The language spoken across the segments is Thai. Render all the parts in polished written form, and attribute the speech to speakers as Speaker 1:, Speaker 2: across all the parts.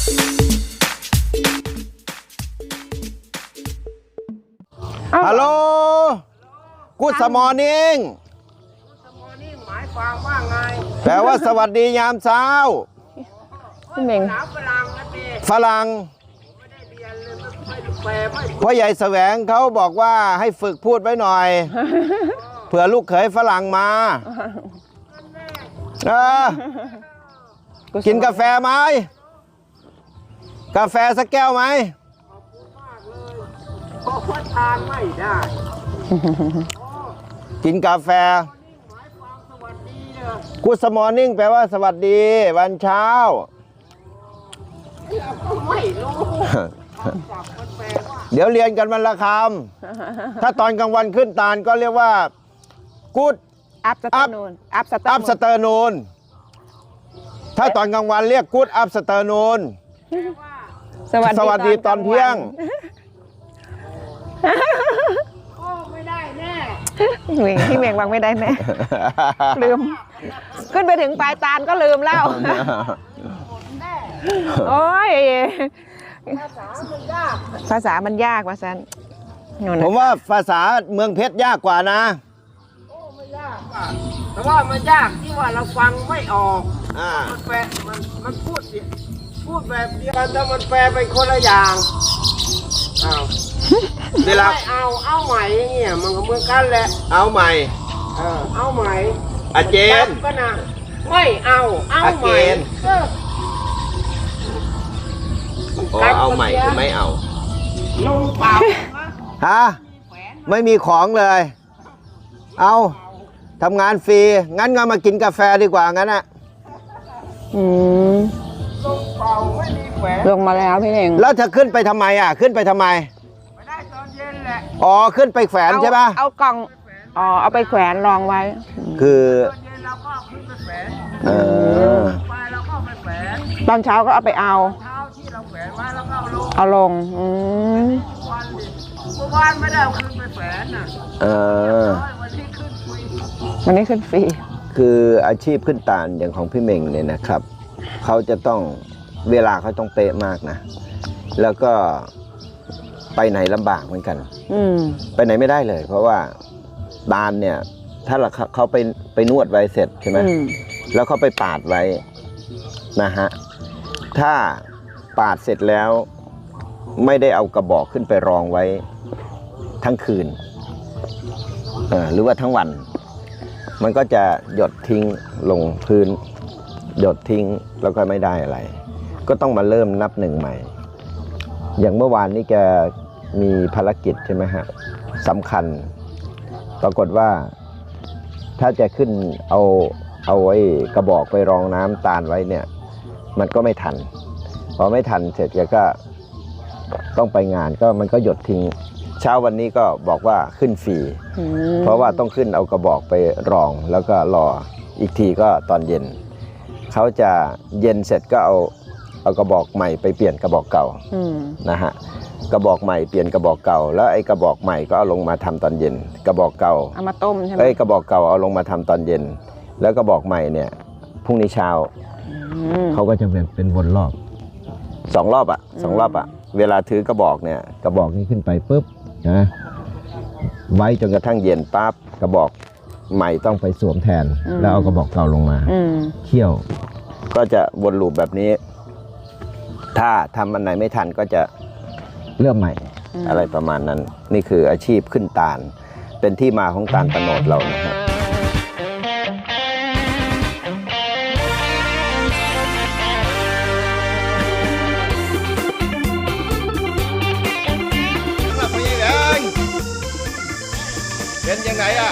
Speaker 1: ฮัลโหลกูดสมอนิ่ง
Speaker 2: หมายความว่าไง
Speaker 1: แปลว่าสวัสดียามเช้า
Speaker 3: พี่เม่ง
Speaker 1: ฝรั่งพ่อใหญ่แสวงเขาบอกว่าให้ฝึกพูดไว้หน่อย เผื่อลูกเขยฝรั่งมากินกาแฟไหมกาแฟสักแก้วไหม
Speaker 2: เพราะว่าทานไม่ได้
Speaker 1: กินกาแฟกูดสมอนิ่งแปลว่าสวัสดีวันเช้า
Speaker 2: ไม่รู้
Speaker 1: เดี๋ยวเรียนกันวันละคำถ้าตอนกลางวันขึ้นตาลก็เรียกว่ากูด
Speaker 3: อัพสเตอร์นูนอัพ
Speaker 1: สเตอร์นูนถ้าตอนกลางวันเรียกกูดอัพสเตอร์นูนสวัสดีตอนเที่ยง
Speaker 2: โอ้ไม่ได้แน่
Speaker 3: พี่เม่งวางไม่ได้แน่ลืมขึ้นไปถึงปลายตาลก็ลืมแล้วโอ้ยภาษามันยากว่าซัน
Speaker 1: ผมว่าภาษาเมืองเพชรยากกว่านะ
Speaker 2: โอ้ไม่ยากแต่ว่ามันยากที่ว่าเราฟังไม่ออกมันแปลมันพูดแบบเดียวกันแต่มันแปลเป็นคนละอย่าง
Speaker 1: เวลา
Speaker 2: เอาใหม่อย่างเงี้ยมันก็เหมือนกันแหละ
Speaker 1: เอาใหม่
Speaker 2: เอาใหม่
Speaker 1: อาเจน
Speaker 2: ก็นะไม่เอาใหม่
Speaker 1: เอาใหม่คือไม่เอา
Speaker 2: ลงเปล่า
Speaker 1: ฮะไม่มีของเลยเอาทำงานฟรีงั้นก็มากินกาแฟดีกว่างั้นอะ
Speaker 2: ลงเปล่าไม่มีแขวน
Speaker 3: ลงมาแล้วพี่เอง
Speaker 1: แล้วจะขึ้นไปทำไมอ่ะขึ้นไปทำไม
Speaker 2: ไม่ได้ตอนเย็นแหละ
Speaker 1: อ๋อขึ้นไปแขวนใช่ปะ
Speaker 3: เอากล่องเอาไปแขวนรองไว้
Speaker 1: คือ
Speaker 2: ตอนเย็นเราก็ขึ้นไปแขวนไปเราก็ไปแขวน
Speaker 3: ตอนเช้าก็เอาไปเอา
Speaker 2: เช้าที่เราแขวนไว้แล้วก็
Speaker 3: เอาลง
Speaker 2: เมื่อวานไม่ได้เอาขึ้นไปแขวนน่ะ
Speaker 3: วันนี้ขึ้นฟรี
Speaker 1: คืออาชีพขึ้นตาลอย่างของพี่เม่งเนี่ยนะครับเขาจะต้องเวลาเขาต้องเป๊ะมากนะแล้วก็ไปไหนลำบากเหมือนกันไปไหนไม่ได้เลยเพราะว่าตาลเนี่ยถ้าเขาไปนวดไว้เสร็จใช่ไหมแล้วเขาไปปาดไว้นะฮะถ้าปาดเสร็จแล้วไม่ได้เอากระบอกขึ้นไปรองไว้ทั้งคืนหรือว่าทั้งวันมันก็จะหยดทิ้งลงพื้นหยดทิ้งแล้วก็ไม่ได้อะไรก็ต้องมาเริ่มนับหนึ่งใหม่อย่างเมื่อวานนี้แกมีภารกิจใช่ไหมฮะสำคัญปรากฏว่าถ้าจะขึ้นเอาไว้กระบอกไปรองน้ำตาลไว้เนี่ยมันก็ไม่ทันพอไม่ทันเสร็จแกก็ต้องไปงานก็มันก็หยดทิ้งเช้าวันนี้ก็บอกว่าขึ้นฟรีเพราะว่าต้องขึ้นเอากระบอกไปรองแล้วก็รออีกทีก็ตอนเย็นเขาจะเย็นเสร็จก็เอากระบอกใหม่ไปเปลี่ยนกระบอกเก่านะฮะกระบอกใหม่เปลี่ยนกระบอกเก่าแล้วไอ้กระบอกใหม่ก็เอาลงมาทำตอนเย็นกระบอกเก่า
Speaker 3: เอามาต้มใช่ไหม
Speaker 1: กระบอกเก่าเอาลงมาทำตอนเย็นแล้วกระบอกใหม่เนี่ยพรุ่งนี้เช้าเขาก็จะเป็นวนรอบ2 รอบอ่ะเวลาถือกระบอกเนี่ยกระบอกนี้ขึ้นไปปุ๊บนะไว้จนกระทั่งเย็นปั๊บกระบอกใหม่ต้องไปสวมแทนแล้วเอากระบอกเก่าลงมาเคี่ยวก็จะวนลูปแบบนี้ถ้าทำอันไหนไม่ทันก็จะเริ่มใหม่อะไรประมาณนั้นนี่คืออาชีพขึ้นตาลเป็นที่มาของตาลตะโนดเรานะครับเป็นยังไงอ่ะ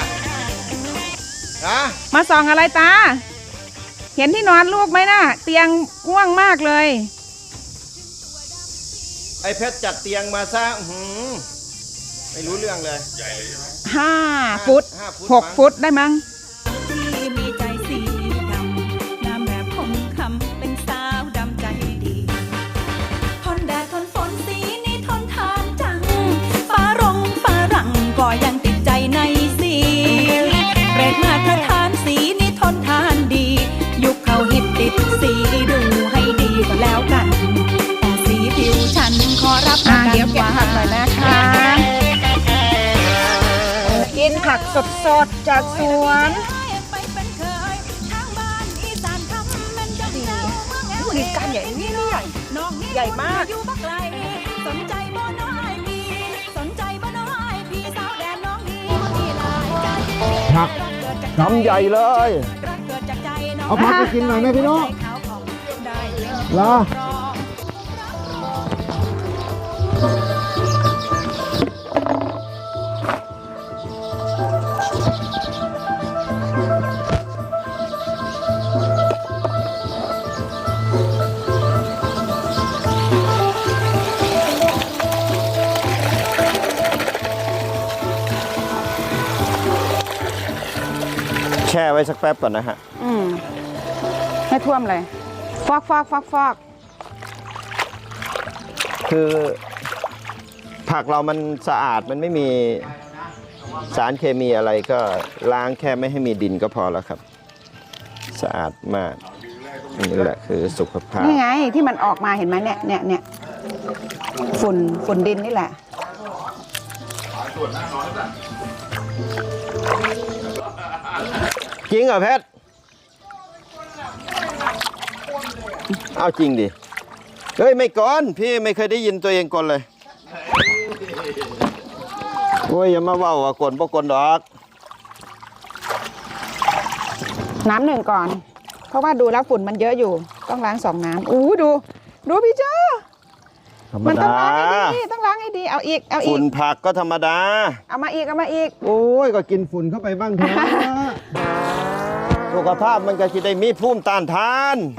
Speaker 3: มาส่องอะไรตาเห็นที่นอนลูกไหมนะเตียงกว้างมากเลย
Speaker 1: ไอ้เพชรจัดเตียงมาซะไม่รู้เรื่องเลย
Speaker 3: 5 ฟุต 6 ฟุตได้มั้งมีใจสีดำงามแบบคงคำเป็นสาวดำใจดีทนแดดทนฝนสีนี้ทนทานจังฟ้ารังก็ยังติดใจในสีเรศมาตรฐานสีนี้ทนทานดียุคเขาฮิตติดสีดูให้ดีก็แล้วกันขอรับประกัน
Speaker 4: เดี๋ยวเก็บผักหน่อยนะคะกินผักสดๆจากสวน
Speaker 3: ไปเป็นเคยทางบ้านอีสานคำเป็นจังเจ้าเมืองแอว
Speaker 4: นี่การใหญ่นี่ใหญ่
Speaker 3: น้องนี่
Speaker 4: ใหญ่มาก
Speaker 3: อยู่บักไกลสนใจบ่น้อยพี่สนใจบ่น้อยพี่สาวแดนน้องนี่มีหลายใจ
Speaker 2: ผักกำใหญ่เลย
Speaker 3: รักเกิดจากใจน้อง
Speaker 2: เอาผักไปกินหน่อยไหมพี่น้อง
Speaker 3: ใจขาวผ่องได้เป็น
Speaker 2: เหรอ
Speaker 3: รอง
Speaker 1: แช่ไว้สักแป๊บก่อนนะฮะ
Speaker 4: ให้ท่วมเลย ฟอก
Speaker 1: คือผักเรามันสะอาดมันไม่มีสารเคมีอะไรก็ล้างแค่ไม่ให้มีดินก็พอแล้วครับ สะอาดมากนี่แหละคือสุขภาพ
Speaker 4: นี่ไงที่มันออกมาเห็นไหมเนี่ยฝุ่นดินนี่แหละ
Speaker 1: จริงเหรอเพชรเอาจริงดิ เฮ้ยไม่ก่อนพี่ไม่เคยได้ยินตัวเองกลเลยโอ้ยอย่ามาเว้าว่ากลบ่กลดอก
Speaker 4: น้ำหนึ่งก่อน เพราะว่าดูแล้วฝุ่นมันเยอะอยู่ ต้องล้าง2 น้ำดูพี่เจ้า
Speaker 1: ธรรม
Speaker 4: มันต้อ
Speaker 1: ดาง
Speaker 4: ล้างให้ดีต้องล้างให้ดีเอาอีก
Speaker 1: ฝุ่นผักก็ธรรมดา
Speaker 4: เอามาอีก
Speaker 1: โอ้ยก็กินฝุ่นเข้าไปบ้างเถอะ สุขภาพมันก็จะได้มีภูมิต้านทาน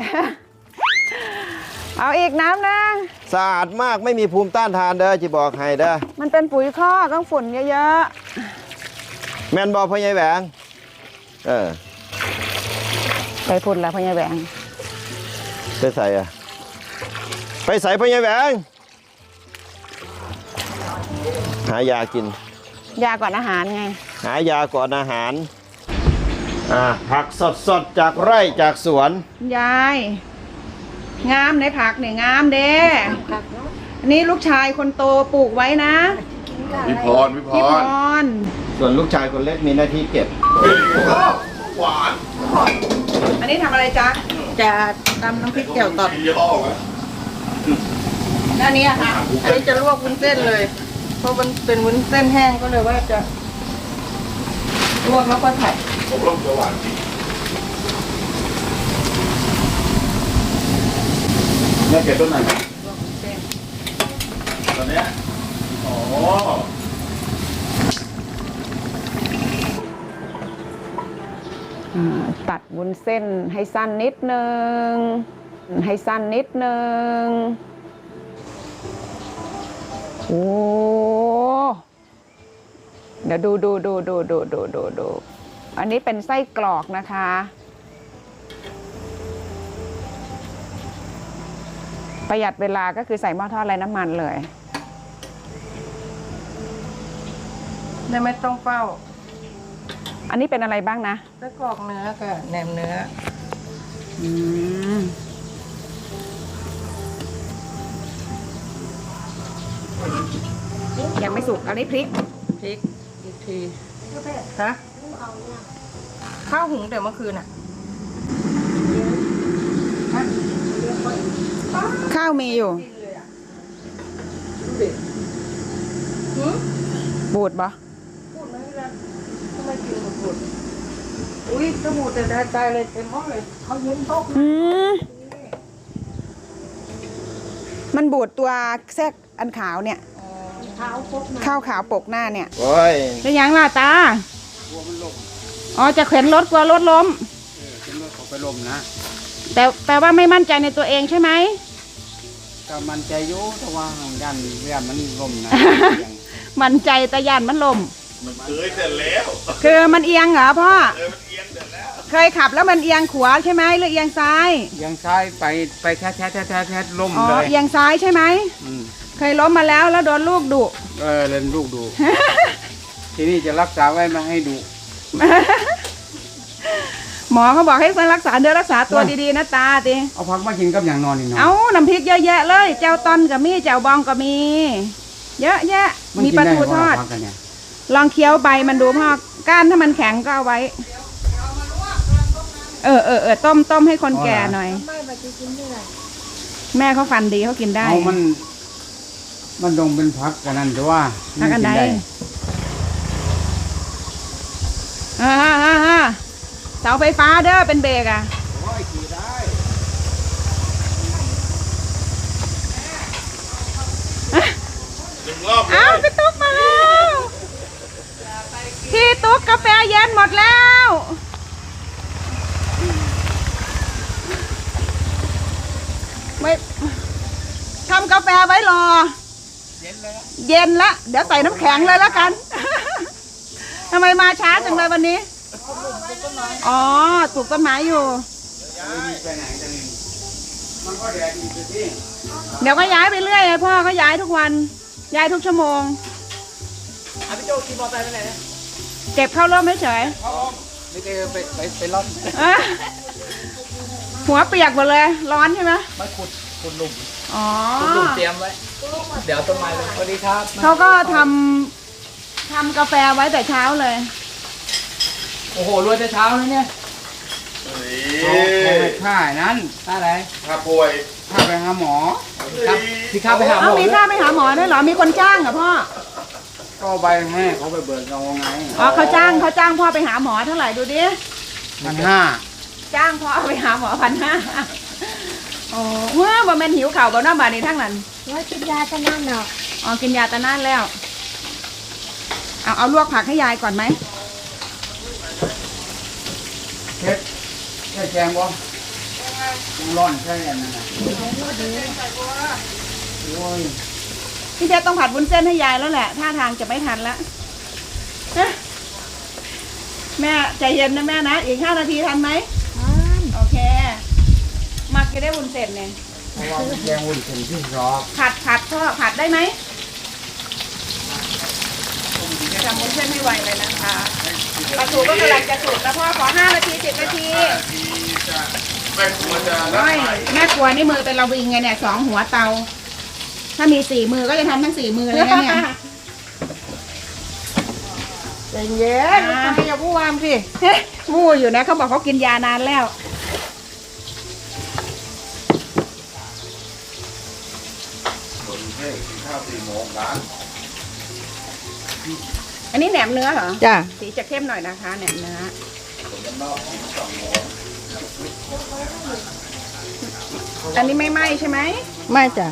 Speaker 4: เอาอีกน้ำนึง
Speaker 1: สะอาดมากไม่มีภูมิต้านทานเด้อจะบอกให้เด้อ
Speaker 4: มันเป็นปุ๋ยคอกต้องฝุ่นเยอะ
Speaker 1: แม่นบอพ่อใหญ่แหวงเออ
Speaker 4: ๆไปฝุ่นแล้วพ่อใหญ่แหวง
Speaker 1: ไปใส่อะไปใส่พ่อใหญ่แหวงหายากิน
Speaker 4: ยาก่อนอาหารไง
Speaker 1: หายาก่อนอาหารผักสดๆจากไร่จากสวน
Speaker 4: ยายงามในผักเนี่ยงามเด้อันนี้ลูกชายคนโตปลูกไว้นะ
Speaker 5: พี่พร
Speaker 4: พี่พร
Speaker 1: ส่วนลูกชายคนเล็กมีหน้าที่เก็บ
Speaker 5: หวาน
Speaker 4: อันนี้ทำอะไรจ๊ะจะตำน้ำพริกแจ่วตอด
Speaker 5: ยี่ห้อไหม
Speaker 4: แล้วอันนี้อะค่ะอันนี้จะลวกวุ้นเส้นเลย เพราะมันเป็นวุ้นเส้นแห้งก็เลยว่าจะลวกแล้วก็ผัด
Speaker 5: ผมร่มจะหวานจริงแม่เก็บต้นไหนตอนเนี้ยอ๋อ
Speaker 4: ตัดวุ้นเส้นให้สั้นนิดนึงโอ้เดี๋ยวดูอันนี้เป็นไส้กรอกนะคะ ประหยัดเวลาก็คือใส่หม้อทอดไร้น้ำมันเลยไม่ต้องเฝ้า อันนี้เป็นอะไรบ้างนะไส้กรอกเนื้อกับแหนมเนื้อยังไม่สุกอันนี้พริกอีกทีฮะข้าวหุงแต่เมื่อคืนอ่ะข้าวมีอยู่บูดปะอุ้ยสมุดแต่ได้ใจเลยเต็มห้องเลยเขายืนโต๊ะมันบูดตัวแทรกอันขาวเนี่ยข้าวขาวปกหน้าเนี่ย
Speaker 1: โอ้ย
Speaker 4: เป็นยังล่ะตาอ๋อจะเข็นรถกลัวรถล้ม
Speaker 2: ขึ้นรถเขาไปลมนะ
Speaker 4: แต่แปลว่าไม่มั่นใจในตัวเองใช่ไหม
Speaker 2: ก็มันใจอยู่แต่ว่ายันมันลมนะ
Speaker 4: มั่นใจแต่ยันมันลม
Speaker 5: มันเคยเสร็จแล้ว
Speaker 4: คือมันเอียงเหรอพ่อ
Speaker 5: มันเอียงเสร็จแล้ว
Speaker 4: เคยขับแล้วมันเอียงขวาใช่ไหมหรือเอียงซ้าย
Speaker 2: ยังซ้ายไปแท้ล่ม
Speaker 4: อ๋อ
Speaker 2: เลย
Speaker 4: เอียงซ้ายใช่ไหม
Speaker 2: ม
Speaker 4: เคยล้มมาแล้วโดนลูกดุ
Speaker 2: เล่นลูกดู ทีนี้จะรักษาไว้ไมาให้ดู
Speaker 4: บ
Speaker 3: หมอเขาบอกให้รักษาเนื้อรักษาตัวดีๆนะตาติ
Speaker 6: เอาพักมากินกับอย่างนอนนี่เนาะ
Speaker 3: เอาน้ำพริกเยอะแยะเลยเจ้าตอนก็มีเจ้าบองก็มี เยอะแยะมีปลาทูทอด
Speaker 6: พักกันเนี่ย
Speaker 3: ลองเคี้ยวใบมันดูพ่อก้านถ้ามันแข็งก็เอาไว้ต้มให้คนแก่หน่อยแม่เขาฟันดีเขากินได้
Speaker 6: เอามันดงเป็นพักกันนั่นแต่ว่า
Speaker 3: พักอันใด
Speaker 6: กิ
Speaker 3: เสาไฟฟ้าเด้อเป็นเบรกอ่ะ
Speaker 5: รอบเล
Speaker 3: เอา
Speaker 5: ย
Speaker 3: พี่ตุ๊กมาแล้วพี่ตุ๊กกาแฟเย็นหมดแล้วไม่ทำกาแฟไว้รอ เย็นละเดี๋ยวใส่น้ำแข็งเลยแล้วกัน ทำไมมาช้าจังเลยวันนี้อ๋อปลูกต้นไม้อยู่
Speaker 6: ไปไหนกันนี่มันก็แดดอีกที
Speaker 3: เดี๋ยวก็ย้ายไปเรื่อยไงพ่อก็ย้ายทุกวันย้ายทุกชั่วโมงพี่โจขี่มอเตอร์ไซค์ไปไหนเก็บเข้าร่มเฉย
Speaker 6: ไม่ได้ไปร่อน
Speaker 3: ๆอ่ะหัวเปียกหมดเลยร้อนใช่ไหม
Speaker 6: มาขุดหลุม
Speaker 3: อ๋อ
Speaker 6: หลุมเตรียมไว้เดี๋ยวต้นไม้เลยสวัสดีครับ
Speaker 3: เขาก็ทำกาแฟไว้แต่เช้าเลย
Speaker 6: โอ้โหรวยแต่เช้าเลยเนี่ย
Speaker 5: นี่
Speaker 6: ค่านั้นค่าอะไร
Speaker 5: ถ้าป่วย
Speaker 6: ค่าไปหาหมอครับที่ค่าไปหาหม
Speaker 3: เอ้า
Speaker 6: อ
Speaker 3: มีค่าไปหาหมอด้วยเหรอมีคนจ้างเหรอพ่อ
Speaker 6: ก็ใบให้เขาไปเบิกเอาไง
Speaker 3: อ๋อเขาจ้างพ่อไปหาหมอเท่าไหร่ดูดิ
Speaker 6: 1,500
Speaker 3: จ้างพ่อไปหาหมอ1,500โอ้เมื่อบ่แม่นหิวข่าวบ่น้าบาดนี้ทั้งนั้น
Speaker 7: ว่ากินยาจะนั่นเนาะ
Speaker 3: อ๋อกินยาตะนานแล้วเอาลวกผักให้ยายก่อนไหม
Speaker 6: เช็ดใช่แจงบ่ร้อนใช่อันนั้นน่ะโอ้ย
Speaker 3: พี่เจ๊ต้องผัดวุ้นเส้นให้ยายแล้วแหละท่าทางจะไม่ทันละฮะแม่ใจเย็นนะแม่นะอีก5 นาทีทันไหมโอเคมักจะได้วุ้นเส้นเนี่ย
Speaker 6: เพราะว่ามันแจงวุ่นเป็นที่รอ
Speaker 3: ผัดพ่อผัดได้ไหมทำวุ้นเส้นให้ไวเลยนะคะปลาทูก็กำลังจะสุกแล้วพ่อขอ5 นาที10 นาที
Speaker 5: แม่ครัวจะ
Speaker 3: ไม่แม่ครัวนี่มือเป็นระวิงไงเนี่ย2 หัวเตา ถ้ามี4 มือก็จะทำทั้ง4 มือเลยนะเนี่ย
Speaker 4: ใจเย็นไม่อย่าพูดวามสิ
Speaker 3: มู้อยู่นะเขาบอกเขากินยานานแล้ว
Speaker 5: คนเท่กินข้าว4 โมงร้าน
Speaker 3: อันนี้แหนมเนื้อเหรอ
Speaker 4: จ้ะ
Speaker 3: สีจะเข้มหน่อยนะคะแหนมเนื้อ อันนี้ไม่ไหม้ใช่ไหม
Speaker 4: ไม่จ้ะ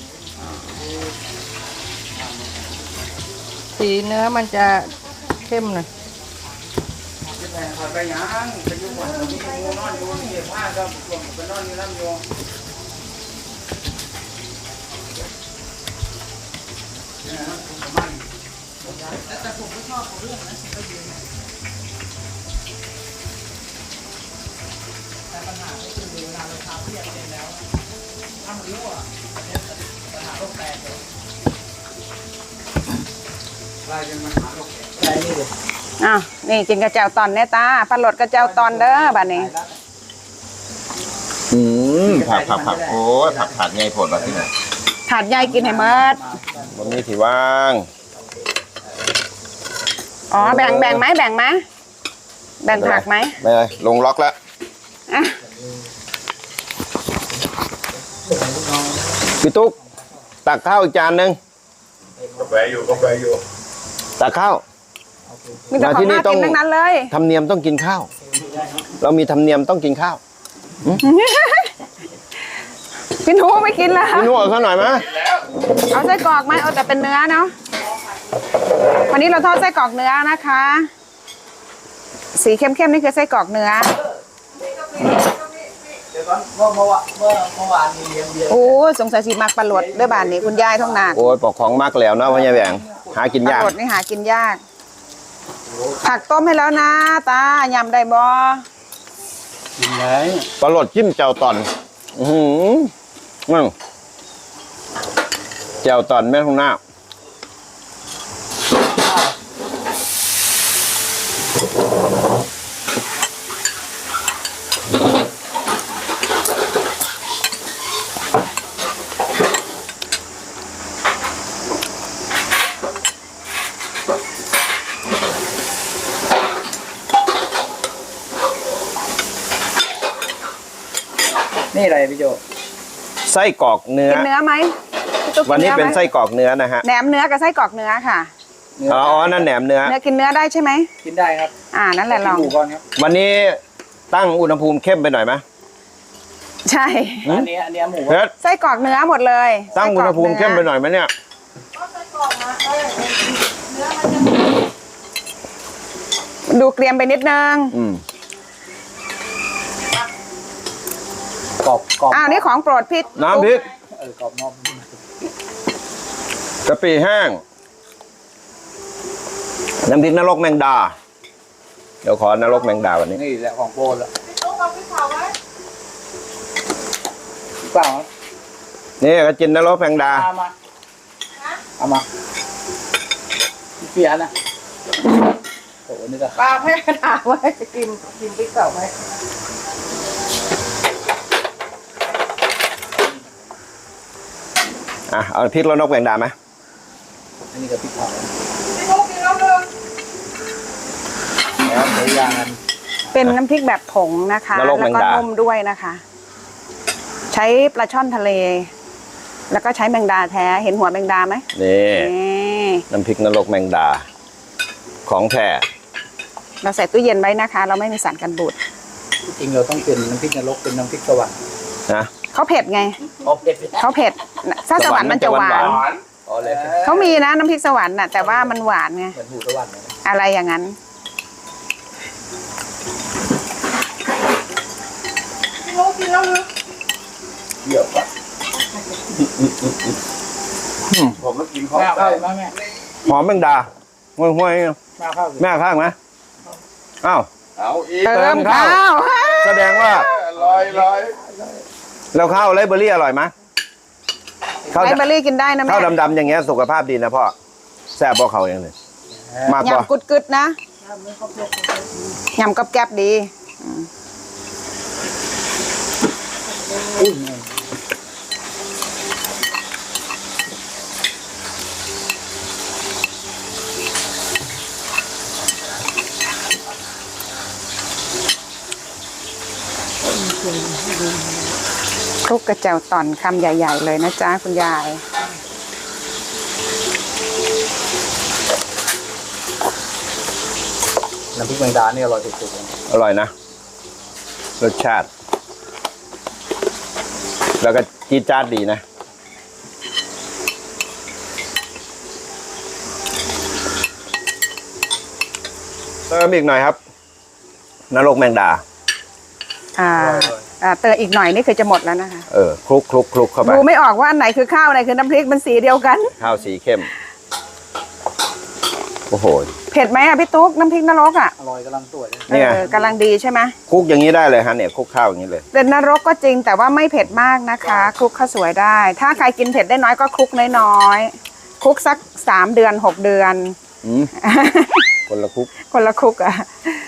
Speaker 4: สีเนื้อมันจะเข้มหน่อย
Speaker 6: จะไปหาไปหยังไปอยู่บ้านมีงูนอนอยู่นี่ผ้าก็ไปนอนอยู่น้ำอยู่ไล่กันมาหาโรคแก่นี่เลย
Speaker 3: อ้าวนี่กินกระเจ้าตอนเนี่ยตาปลาหลดกระเจ้าตอนเด้อบ้านนี้
Speaker 1: ผักโอ้ยผักไงผลแบบที่ไหน
Speaker 3: ถาดใหญ่กินให้หมด
Speaker 1: วันนี้ที่ว่าง
Speaker 3: อ๋อแบ่งไหมแบ่งผักไหม
Speaker 1: ไม่เลยลงล็อกแล้ว
Speaker 3: อ่ะ
Speaker 1: พี่ตุ๊กตักข้าวอีกจานหนึ่ง
Speaker 5: กาแฟอยู่
Speaker 1: ตักข้าว
Speaker 3: มีแต่ของน่ากินทั้งนั้นเลย
Speaker 1: ธรรมเนียมต้องกินข้าว เรามีธรรมเนียมต้องกินข้าว
Speaker 3: พี่หนูไม่กินละ
Speaker 1: พี่นุ่เอาข้าวหน่อยไหม
Speaker 3: เอาไส้กรอกไหมเอาแต่เป็นเนื้อเนาะวันนี้เราทอดไส้กรอกเนื้อนะคะ สีเข้มๆนี่คือไส้กรอกเนื้อ
Speaker 6: เดี๋ยวก่อนเมื่อวานมีเลี้ยงเบียร์
Speaker 3: โอ้สงสัยสีมักปลาหลดด้วยบ้านนี้คุณยายท้องหนัก
Speaker 1: โอ้ยปอกของมากแล้วนะพ่อใหญ่แหวงหากิน
Speaker 3: ปลาย
Speaker 1: าก
Speaker 3: หลดนี่หากินยาก ผักต้มให้แล้วนะตายำได้บ่
Speaker 6: กินไหน
Speaker 1: ปลาหลดจิ้มแจ่วตอนมั่งแจ่วตอนแม่ทองหน้า
Speaker 6: อะไรพี่โจ
Speaker 1: ไส้กรอกเนื้อ
Speaker 3: กินเนื้อไหมพี่ตุ๊ก
Speaker 1: วันนี้
Speaker 3: กิ
Speaker 1: เป็น
Speaker 3: ไหม
Speaker 1: ไส้กรอกเนื้อนะฮะ
Speaker 3: แหนมเนื้อกับไส้กรอกเนื้อค่ะ
Speaker 1: อ๋อนั่นแหนมเนื้อ
Speaker 3: เนื้อกินเนื้อได้ใช่ไหม
Speaker 6: กินได้ครับ
Speaker 3: นั่นแหละลอง
Speaker 6: หมูก่อนครับ
Speaker 1: วันนี้ตั้งอุณหภูมิเข้มไปหน่อยไหม
Speaker 3: ใช่
Speaker 6: อันนี้หมู
Speaker 1: เพชร
Speaker 3: ไส้กรอกเนื้อหมดเลย
Speaker 1: ตั้งอุณหภูมิเข้มไปหน่อยไหมเนี่ย
Speaker 3: ดูเกรียมไปนิดนึง
Speaker 6: กรอบ
Speaker 3: นี่ของโปรดพี่
Speaker 1: น้ำพริก
Speaker 6: กรอบนอก
Speaker 1: กะปิแห้ง น้ำพริกนรกแมงดา เดี๋ยวขอนรกแมงดาวันนี้
Speaker 6: นี่แหละของโปรดละเปล่า
Speaker 1: นี่ก็จินนรกแมงดา
Speaker 6: เอามาเปลี่ยนนะโอ้โหนี่ก็
Speaker 4: ป้าให้ถามว่าจะกินพริกเก่าไหม
Speaker 1: เอาพริกแล้วนกแมงดาไหม
Speaker 6: อันนี้ก็พริกเผา
Speaker 4: พี่ลูกกินแล้วเลย
Speaker 6: แล้วใช้ยางกัน
Speaker 3: เป็นน้ำพริกแบบผงนะคะ
Speaker 1: นรกแม
Speaker 3: แล้ว
Speaker 1: ง
Speaker 3: ก็
Speaker 1: ดา
Speaker 3: นุ่มด้วยนะคะ ใช้ปลาช่อนทะเล แล้วก็ใช้แมงดาแท้ เห็นหัวแมงดาไหม
Speaker 1: นี่
Speaker 3: นี่
Speaker 1: น้ำพริกนรกแมงดา ของแท้
Speaker 3: เราใส่ตู้เย็นไว้นะคะ เราไม่มีสารกันบูด
Speaker 6: จริงเราต้องเป็นน้ำพริกนรกเป็นน้ำพริกสวรรค์
Speaker 1: นะ
Speaker 3: เขาเผ็ดไง
Speaker 6: โอเค
Speaker 3: เขาเผ็ดถ้าสวรรค์มันจะหวาน
Speaker 6: อ๋อเลย
Speaker 3: เขามีนะน้ำพริกสวรรค์น่ะแต่ว่ามันหวานไง
Speaker 6: เหมือนหมูสวรรค์เลย
Speaker 3: อะไรอย่างนั้น
Speaker 4: พี่ลูกกินแล้วเลย
Speaker 6: เดี๋ยวก่อน
Speaker 5: ผมก็กินข้าว
Speaker 6: แม่
Speaker 5: ไก่
Speaker 6: ข้าวแม่
Speaker 1: หอมแมงดาห้วย
Speaker 6: แม่ข้าว
Speaker 1: ๆแม่ข้างไหมอ้าว
Speaker 5: เอาอีก
Speaker 3: เติมข้าว
Speaker 1: แสดงว่า
Speaker 5: ลอย
Speaker 1: แล้วข้าวไรเบอรี่อร่อยไหมข้าว
Speaker 3: ไรเบอรี่กินได้นะแม่
Speaker 1: ข้าวดำๆอย่างเงี้ยสุขภาพดีนะพ่อแซ่บพ่อเขาอย่างนี้มากกว่าย
Speaker 3: ำกึดๆนะยำกับแกบดี คลุกกระเจียวต่อนคำใหญ่ ๆ เลยนะจ๊ะคุณยาย
Speaker 6: น้ำพริกแมงดาเนี่ยอร่อยสุดๆเลย
Speaker 1: อร่อยนะ รสชาติ แล้วก็จี๊ดจ๊าดดีนะเติมอีกหน่อยครับนรกแมงดา
Speaker 3: เติมอีกหน่อยนี่คือจะหมดแล้วนะคะ
Speaker 1: คลุกเข้าไป
Speaker 3: ดูไม่ออกว่าอันไหนคือข้าวอันไหนคือน้ำพริกมันสีเดียวกัน
Speaker 1: ข้าวสีเข้ม โอ้โห
Speaker 3: เผ็ดไหมพี่ตุ๊กน้ำพริกนรกอ่ะ
Speaker 6: อร่อยกำลังสวยเลย
Speaker 1: เนี่ย
Speaker 3: กำลังดีใช่ไหม
Speaker 1: คลุกอย่างนี้ได้เลยฮะเนี่ยคลุกข้าวอย่างนี้เลย
Speaker 3: เป็นนรกก็จริงแต่ว่าไม่เผ็ดมากนะคะคลุกข้าวสวยได้ ถ้าใครกินเผ็ดได้น้อยก็คลุกน้อยๆคลุกสัก3 เดือน 6 เดือน
Speaker 1: คนละคลุก
Speaker 3: คนละคลุกอ่ะ